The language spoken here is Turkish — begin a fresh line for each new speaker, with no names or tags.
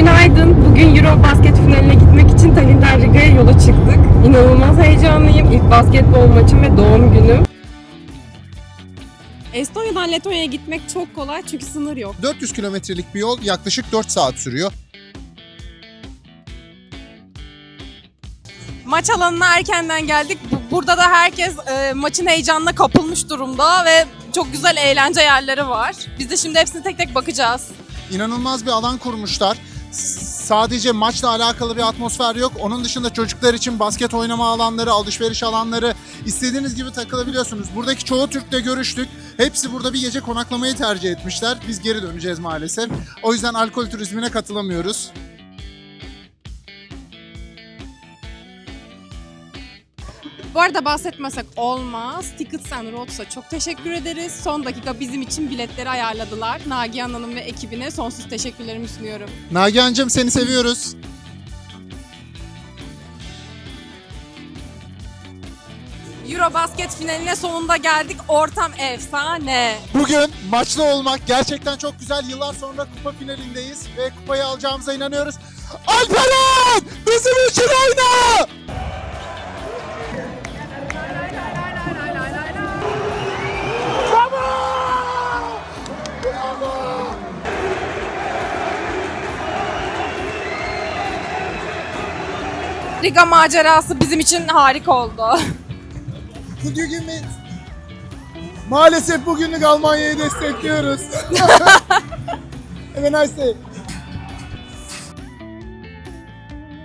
Günaydın. Bugün Eurobasket finaline gitmek için Tallinn'den Riga'ya yola çıktık. İnanılmaz heyecanlıyım. İlk basketbol maçım ve doğum günüm. Estonya'dan Letonya'ya gitmek çok kolay çünkü sınır yok.
400 kilometrelik bir yol yaklaşık 4 saat sürüyor.
Maç alanına erkenden geldik. Burada da herkes maçın heyecanına kapılmış durumda ve çok güzel eğlence yerleri var. Biz de şimdi hepsini tek tek bakacağız.
İnanılmaz bir alan kurmuşlar. Sadece maçla alakalı bir atmosfer yok. Onun dışında çocuklar için basket oynama alanları, alışveriş alanları, istediğiniz gibi takılabiliyorsunuz. Buradaki çoğu Türk'le görüştük. Hepsi burada bir gece konaklamayı tercih etmişler. Biz geri döneceğiz maalesef. O yüzden alkol turizmine katılamıyoruz.
Bu arada bahsetmesek olmaz. Tickets and Roads'a çok teşekkür ederiz. Son dakika bizim için biletleri ayarladılar. Nagihan Hanım ve ekibine sonsuz teşekkürlerimi sunuyorum.
Nagihan'cığım seni seviyoruz.
Eurobasket finaline sonunda geldik. Ortam efsane.
Bugün maçlı olmak gerçekten çok güzel. Yıllar sonra kupa finalindeyiz ve kupayı alacağımıza inanıyoruz. Alperen! Bizim için oyna!
Riga macerası bizim için harika oldu.
Could you give me... Maalesef bugünlük Almanya'yı destekliyoruz. Have a nice day.